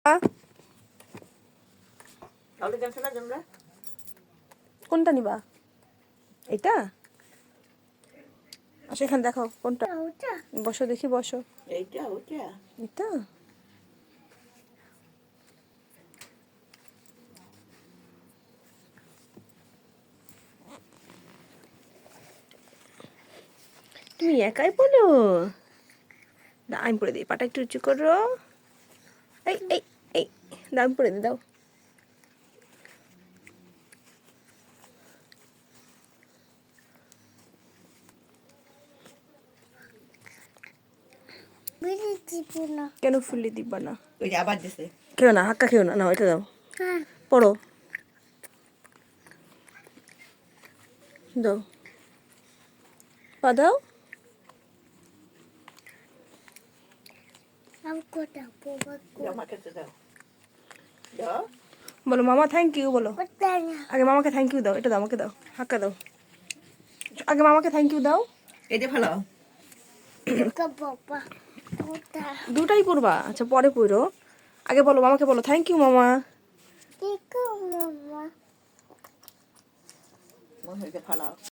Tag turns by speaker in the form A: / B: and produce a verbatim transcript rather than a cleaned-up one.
A: কোনটা নিবা? এটা আচ্ছা, এখানে দেখো কোনটা। বসো দেখি, বসো।
B: এইটা ওটা
A: এটা তুমি একাই বলো? না, আমি পড়ে দিই। পাটা একটু উঁচু করো। এই এই এই দাম পড়ে দি, দাও। কেন ফুলি দিবা না?
B: ওই যে আবার দিছে।
A: খেও না, হাক্কা খেও না। না, এটা দাও। পড়ো, দাও, পা দাও।
B: আমাকে তো দাও দাও।
A: বলো মামা থ্যাংক ইউ বলো। আগে মামাকে থ্যাংক ইউ দাও। এটা দাও, আমাকে দাও, হাক্কা দাও। আগে মামাকে থ্যাংক ইউ দাও।
B: এটা ভালো।
A: দুটাই পড়বা? আচ্ছা, পরে পড়ো। আগে বলো মামাকে, বলো থ্যাংক ইউ মামা।
B: মনে হয় ভালো।